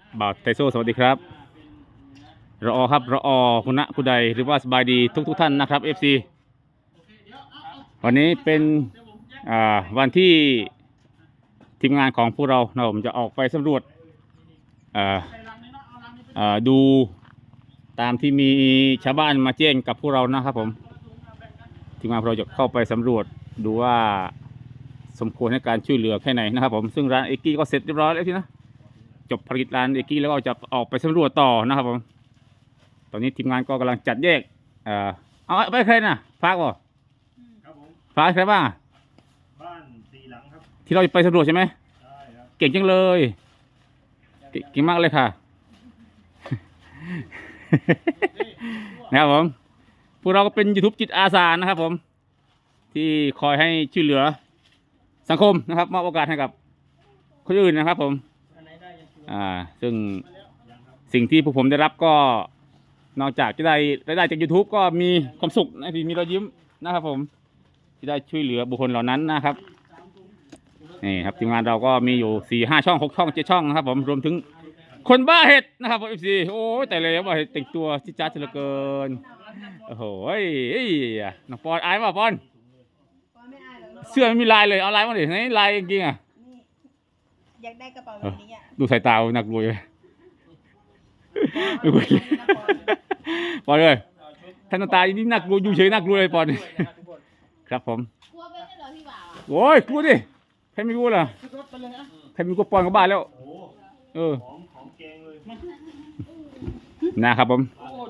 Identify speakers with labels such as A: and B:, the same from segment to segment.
A: บ่าวไทโซสวัสดีครับรอครับรอคุณณคุณใดหรือว่าสบายดีทุกท่านนะครับ FC วันนี้เป็นวันที่ทีมงานของพวกเราผมจะออกไปสำรวจดูตามที่มีชาวบ้านมาแจ้งกับพวกเรานะครับผมทีมงานเราจะเข้าไปสำรวจดูว่าสมควรให้การช่วยเหลือแค่ไหนนะครับผมซึ่งร้านเอกกี้ก็เสร็จเรียบร้อยแล้วทีนะจบภารกิจร้านเอกกี้แล้วก็จะออกไปสำรวจต่อนะครับผมตอนนี้ทีมงานก็กำลังจัดแยกเอาไปใครนะฟากบ่
B: ครับผม
A: ฟากใครบ้าง
B: บ้านสี่หลังครับ
A: ที่เราจะไปสำรวจใช่ไหม
B: ใช่ครับ
A: เก่งจังเลยเก่งมากเลยค่ะ นะครับผมพวกเราก็เป็น YouTube จิตอาสานะครับผมที่คอยให้ช่วยเหลือสังคมนะครับมอบโอกาสให้กับคนอื่นนะครับผมซึ่งสิ่งที่พวกผมได้รับก็นอกจากจะได้รายได้จาก YouTube ก็มีความสุขนะที่มีรอยยิ้มนะครับผมที่ได้ช่วยเหลือบุคคลเหล่านั้นนะครับนี่ครับทีมงานเราก็มีอยู่4-5 ช่อง6 ช่อง 7 ช่องนะครับผมรวมถึงคนบ้าเห็ดนะครับผม FC โอ้ยแต่เลยว่าเห็ดแต่งตัวจิ๊จ๊าดเหลือเกินโอ้โหน้องปอนอายป่ะปอนเสื้อไม่มีลายเลยเอาลายมาดิไหนลายจริงๆอ่ะ
C: อยากได้กระเป๋าแบบนี้อ่ะ
A: ดูสายตาหนักรวยเลยปอนเลยท่านตานี่หนักรวยอยู่เฉยหนักรวยเลยปอนครับผม
C: กลัวเป็นเหรอพี่บ่าว
A: โอ้ยกลัวดิใครไม่กลัวล่ะใครไม่กลัวปอนก็บ้าแล้ว
B: ของเกงเลย
A: นะครับผม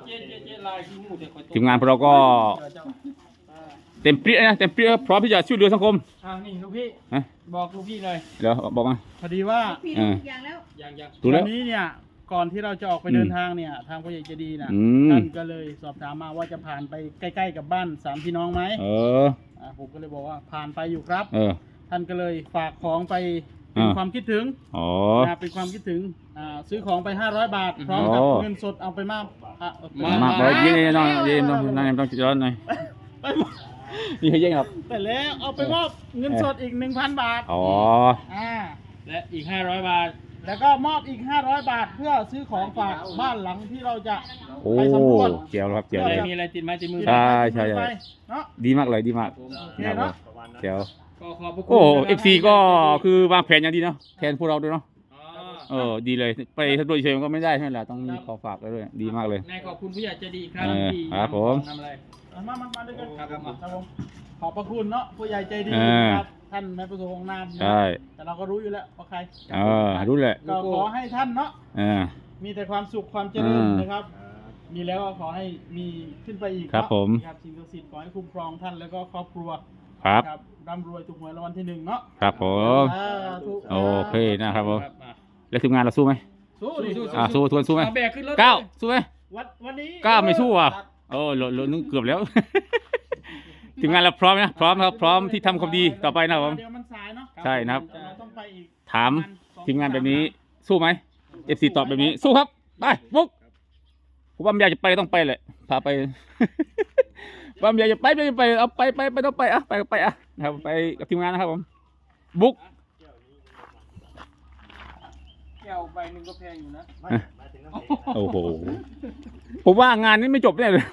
A: ทีมงานพวกเราก็เต็มเปรี้ยนะเต็มเปรี้ยพร้อมที่จะช่วยเหลือสังคม
D: นี่ลูกพี่บอกลูกพี่เลย
A: เดี๋ยวบอกมา
D: พอดีว่า
C: พี่ทุกอย่างแล้ว
D: วันนี้เนี่ยก่อนที่เราจะออกไปเดินทางเนี่ยทางผู้ใหญ่ใจดีนะท่านก็เลยสอบถามมาว่าจะผ่านไปใกล้ๆกับบ้าน3พี่น้องไหมผมก็เลยบอกว่าผ่านไปอยู่ครับท่านก็เลยฝากของไปเป็นความคิดถึงเป็นความคิดถึงซื้อของไป500 บาทพร้อมกับเงินสดเอาไปมาก
A: เย็นๆน้องเย็นๆน้องต้องร้อนหน่อยนี่ให้เย็นครับ
D: แต่แล้วเอาไปมอบเงินสดอีก 1,000 บาท
B: และอีก500 บาท
D: แล้วก็มอบอีก500 บาทเพื่อซื้อของฝากบ้านหลังที่เราจะไปสำรวจ
A: เจียวครับเจียว
B: มีอะไรติดไม้ติดมือ
A: ใช่ดีมากเลยดีมากนะครับเจียวโอ้FC ก็คือวางแผนอย่างดีเนาะแทนพวกเราด้วยเนาะดีเลยไปสำรวจเฉยๆก็ไม่ได้ใช่ไหมล่ะต้องมีขอฝากด้วยดีมากเลย
D: ขอบคุณผู้ใหญ่ใจดีครับที่
A: ครับผม
D: มาด้วยกันครับผมขอบพระคุณเนาะผู้ใหญ่ใจดีครับท่านแม่ประสงค์นาม
A: ใช่
D: แต่เราก็รู้อยู่แล้วว่าใคร
A: รู้แหละ
D: ก็ขอให้ท่านเนาะมีแต่ความสุขความเจริญนะครับมีแล้วก็ขอให้มีขึ้นไปอีก
A: ครับผม
D: ครับสิ่งศักดิ์สิทธิ์ขอให้คุ้มครองท่านแล้วก็ครอบครัว
A: ครับ
D: ร่ำรวยถูกหวยรางวัลที่1เนาะ
A: ครับผมโอเคนะครับผมแล้วทีมงานเราสู้ไหมสู้ทวนสู้ไหมก้าวสู้ไหม
D: วันนี้
A: ก้าวไม่สู้อ่ะเรานึกเกือบแล้วทีมงานเราพร้อมนะพร้อมครับพร้อมที่ทำความดีต่อไปนะครับผมใช่นะครับถามทีมงานแบบนี้สู้ไหม FC ตอบแบบนี้สู้ครับไปปุ๊กผมว่าอยากจะไปต้องไปแหละพาไปว่าอยากจะไปเอาไปต้องไปไปนะครับไปกับทีมงานนะครับผมบุ๊ก
D: แก้วใบหนึ่งก็แพงอยู่นะ
A: โอ้โหผมว่างานนี้ไม่จบแน่เลย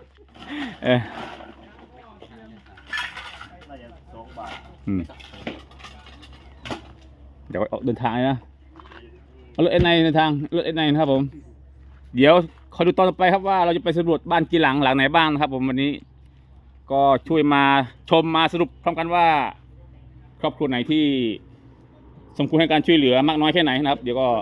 A: เดี๋ยวออกเดินทางนะรถเอ็นไนในทางรถเอ็นไนนะครับผมเดี๋ยวคอยดูตอนต่อไปครับว่าเราจะไปสำรวจบ้านกี่หลังไหนบ้างนะครับผมวันนี้ก็ช่วยมาชมมาสรุปพร้อมกันว่าครอบครัวไหนที่สมควรให้การช่วยเหลือมากน้อยแค่ไหนนะครับเดี๋ยวก็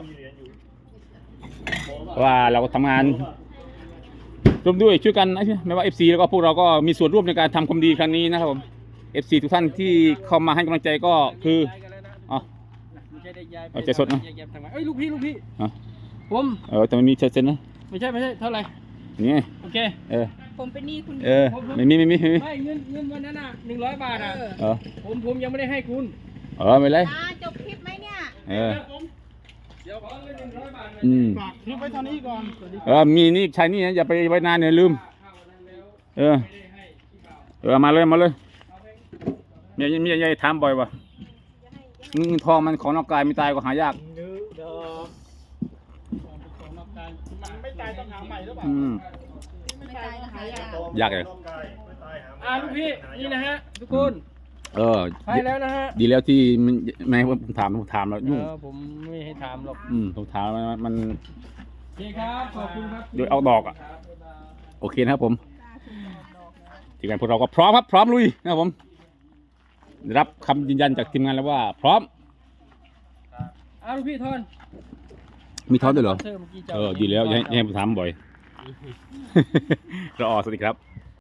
A: ว่าเราทำงานร่วมด้วยช่วยกันนะไม่ว่า FC แล้วก็พวกเราก็มีส่วนร่วมในการทำความดีครั้งนี้นะครับผม FC ทุกท่านที่เข้ามาให้กำลังใจก็คือเอาใจสดนะ
D: ลูกพี่ผม
A: แต่มันมีเซ็นนะ
D: ไม่ใช่เท่าไหร่
A: นี่
D: โอเค
C: ผมเป็นหนี้คุณ
A: ไม่มี
D: เงินวันนั้น100 บาทผมยังไม่ได้ให้คุณ
A: ไม่เลย
C: จบคลิปไหมเนี่ย
D: เดี๋ยวขอเงิน100 บาทฝากคลิปไว้เท่านี้ก่
A: อนมีนี่ใช้นี่นะอย่าไปไว้นานเนี่ยลืมมาเลยมีอะไรถามบ่อยว่ะเงินทองมันของนอกกายไม่ตายก็หายาก
D: ายต้องหาใหม่หรือเปล่า
C: ไม่ตายก็หายาก
A: ยากเลย
B: ลูกพี่นี่นะฮะทุกคน
A: เออ
B: ไปแล้วนะฮะ
A: ดีแล้วที่มันไม่ให้ผมถามแล้วยุ่ง
B: ผมไม่ให้ถามหรอก
A: ผมถามมัน
B: โอเคครับขอบคุณครับ
A: โดยเอาดอกอ่ะ โอเคนะครับผมทีมงานพวกเราก็พร้อมครับพร้อมลุยนะครับผมได้รับคำยืนยันจากทีมงานแล้วว่าพร้อม
B: เอาลูกพี่ทอน
A: มีทอนด้วยเหรอ
B: เมื่อกี้จ้า
A: ดีแล้วอย่าให้ผมถามบ่อย รอสวัสดีครับ